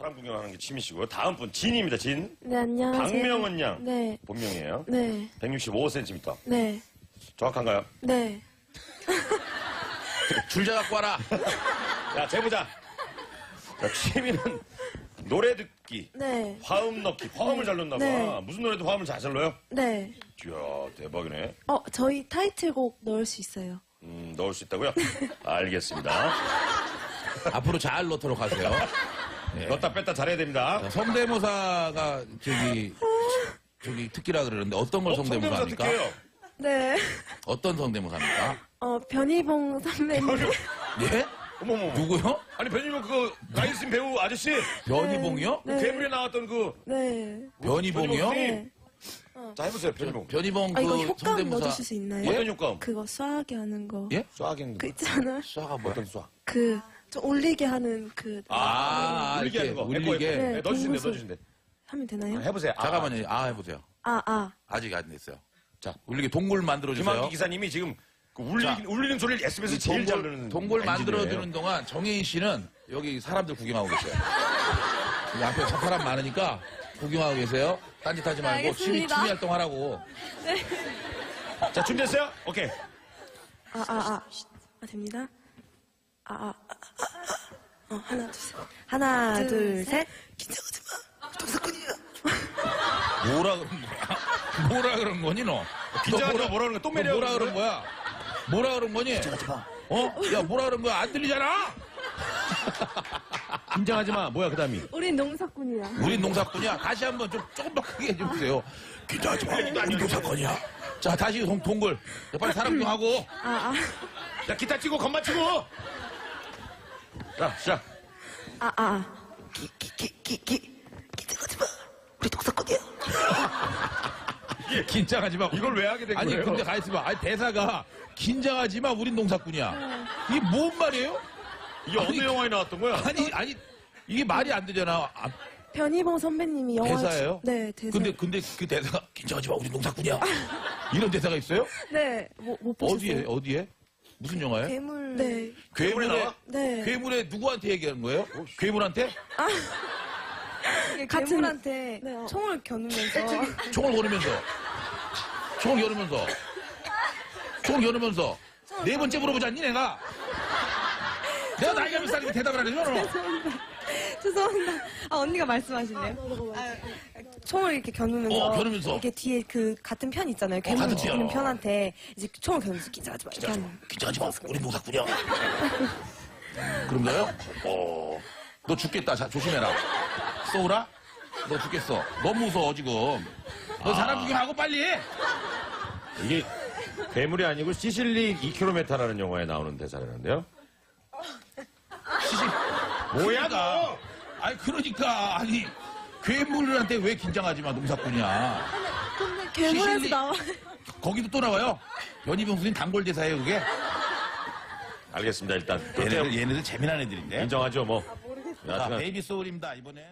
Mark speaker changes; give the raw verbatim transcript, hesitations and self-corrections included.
Speaker 1: 사람 구경하는 게 취미시고요. 다음 분 진입니다. 진.
Speaker 2: 네, 안녕하세요.
Speaker 1: 박명은 양.
Speaker 2: 네.
Speaker 1: 본명이에요.
Speaker 2: 네.
Speaker 1: 백육십오 센티미터.
Speaker 2: 네.
Speaker 1: 정확한가요?
Speaker 2: 네.
Speaker 3: 줄자 갖고 와라.
Speaker 1: 야, 재보자. 자, 취미는 노래 듣기,
Speaker 2: 네.
Speaker 1: 화음 넣기, 화음을 잘 넣나 봐.
Speaker 2: 네.
Speaker 1: 무슨 노래도 화음을 잘 잘 넣어요?
Speaker 2: 네.
Speaker 1: 이야, 대박이네.
Speaker 2: 어, 저희 타이틀곡 넣을 수 있어요.
Speaker 1: 음, 넣을 수 있다고요? 알겠습니다.
Speaker 3: 앞으로 잘 넣도록 하세요. 네.
Speaker 1: 넣었다 뺐다 잘해야 됩니다.
Speaker 3: 자, 성대모사가 저기 저기 특기라 그러는데 어떤 걸
Speaker 1: 어,
Speaker 3: 성대모사 합니까?
Speaker 1: 특기예요.
Speaker 2: 네.
Speaker 3: 어떤 성대모사입니까?
Speaker 2: 어, 변희봉 선배님.
Speaker 3: 예?
Speaker 1: 어머머.
Speaker 3: 누구요?
Speaker 1: 아니, 변희봉 그거 나이스 배우 아저씨?
Speaker 3: 변희봉이요?
Speaker 2: 네.
Speaker 1: 괴물에 나왔던 그.
Speaker 2: 네.
Speaker 3: 변희봉이요?
Speaker 2: 네.
Speaker 1: 자, 해보세요, 변희봉.
Speaker 3: 변희봉
Speaker 2: 아, 이거
Speaker 3: 그
Speaker 2: 효과음
Speaker 3: 성대모사.
Speaker 2: 넣어주실 수 있나요?
Speaker 1: 어떤 효과음?
Speaker 2: 그거 쏴하게 하는 거.
Speaker 3: 예?
Speaker 1: 쏴하겠는데.
Speaker 2: 그 있잖아.
Speaker 3: 쏴가 뭐야?
Speaker 1: 어떤 쏴?
Speaker 2: 그, 좀 올리게 하는 그.
Speaker 3: 아,
Speaker 1: 울리게
Speaker 3: 이렇게
Speaker 1: 하는 거.
Speaker 3: 울리게.
Speaker 1: 에코, 에코. 네, 넣어주신대,
Speaker 2: 동물소.
Speaker 1: 넣어주신대.
Speaker 2: 하면 되나요?
Speaker 1: 아, 해보세요. 아,
Speaker 3: 잠깐만요. 아 해보세요.
Speaker 2: 아, 아.
Speaker 3: 아직 안 됐어요. 자, 울리게 동굴 만들어 주세요.
Speaker 1: 김학기 기사님이 지금 그 울리,
Speaker 3: 자,
Speaker 1: 울리는 소리를 에스비에스 제일 잘
Speaker 3: 동굴,
Speaker 1: 듣는
Speaker 3: 동굴 만들어
Speaker 1: 엔지니어예요.
Speaker 3: 주는 동안 정혜인 씨는 여기 사람들 구경하고 계세요. 여기 앞에 사람 많으니까 구경하고 계세요. 딴짓하지 말고 취미,
Speaker 2: 알겠습니다.
Speaker 3: 취미 활동하라고.
Speaker 1: 자, 준비됐어요? 오케이.
Speaker 2: 아, 아, 아. 아, 됩니다. 아, 아, 아, 아, 아. 어, 하나, 둘, 셋. 하나, 둘,
Speaker 4: 둘,
Speaker 2: 셋. 긴장하지 마. 동사꾼이야.
Speaker 3: 뭐라 그런 거야? 뭐라 그런 거니 너?
Speaker 1: 긴장하지
Speaker 3: 너
Speaker 1: 마, 뭐라 그런 거야? 또 매력
Speaker 3: 너 뭐라
Speaker 1: 그런
Speaker 3: 그런 거야? 뭐라 그런 거니? 어? 야 뭐라 그런 거야? 안 들리잖아?
Speaker 1: 긴장하지 마. 뭐야, 그 다음이?
Speaker 2: 우린 농사꾼이야.
Speaker 3: 우린 농사꾼이야. 다시 한번 좀 조금 더 크게 해주세요. 긴장하지 마. 우린 농사꾼이야. 자 다시 동, 동굴. 자, 빨리 사람 구경하고.
Speaker 2: 아, 아.
Speaker 1: 자, 기타 치고, 건반 치고! 자, 시작.
Speaker 2: 아, 아.
Speaker 4: 기, 기, 기, 기, 기. 긴장하지 마. 우리 동사꾼이야.
Speaker 3: 긴장하지 마.
Speaker 1: 이걸 왜 하게 된
Speaker 3: 아니
Speaker 1: 거예요?
Speaker 3: 근데 가만있어 봐. 아니 대사가 긴장하지 마. 우린 농사꾼이야. 이게 뭔 말이에요?
Speaker 1: 이게 어느 영화에 나왔던 거야?
Speaker 3: 아니 아니 이게 말이 안 되잖아. 아,
Speaker 2: 변희봉 선배님이 영화.
Speaker 3: 대사예요?
Speaker 2: 네, 대사.
Speaker 3: 근데 근데 그 대사가 긴장하지 마. 우린 농사꾼이야. 이런 대사가 있어요?
Speaker 2: 네, 뭐, 못 보셨어요?
Speaker 3: 어디에 어디에? 무슨 영화에?
Speaker 4: 괴물.
Speaker 2: 네.
Speaker 1: 괴물에
Speaker 3: 괴물에
Speaker 1: 나와?
Speaker 2: 네.
Speaker 3: 괴물에 누구한테 얘기하는 거예요? 괴물한테?
Speaker 4: 이게
Speaker 2: 같은-
Speaker 4: 괴물한테
Speaker 2: 네, 어.
Speaker 4: 총을 겨누면서
Speaker 3: 총을 겨누면서 총을 겨누면서 총을 겨누면서 네 번째 물어보지 않니 내가? 내가 나이가 몇 살이면 대답을 안 해줘 너?
Speaker 4: 죄송합니다. 아 언니가 말씀하실래요? 아, 총을 이렇게 겨누면서,
Speaker 3: 어, 겨누면서.
Speaker 4: 이렇게 뒤에 그 같은 편 있잖아요. 괴물
Speaker 3: 같은
Speaker 4: 죽이는
Speaker 3: 편.
Speaker 4: 편한테 이제 총을 겨누면서 긴장하지 마. 이렇게 하는.
Speaker 3: 긴장하지 마. 우린 농사꾼이야. 그런가요? 어. 너 죽겠다. 자, 조심해라. 쏘우라? 너 죽겠어. 너무 무서워 지금. 너 사람 구경하고 빨리 해.
Speaker 1: 이게 괴물이 아니고 시실리 이 킬로미터라는 영화에 나오는 대사라는데요.
Speaker 3: 시시.
Speaker 1: 뭐야, 너?
Speaker 3: 아니 그러니까 아니 괴물한테 왜 긴장하지 마 농사꾼이야.
Speaker 2: 근데 괴물에서
Speaker 3: 시실리-
Speaker 2: 나와.
Speaker 3: 거기도 또 나와요. 변희봉 선생님 단골 대사예요 그게.
Speaker 1: 알겠습니다, 일단.
Speaker 3: 얘네들 얘네들 재미난 애들인데.
Speaker 1: 인정하죠, 뭐.
Speaker 3: 자,
Speaker 1: 여하튼
Speaker 3: 베이비 소울입니다 이번엔.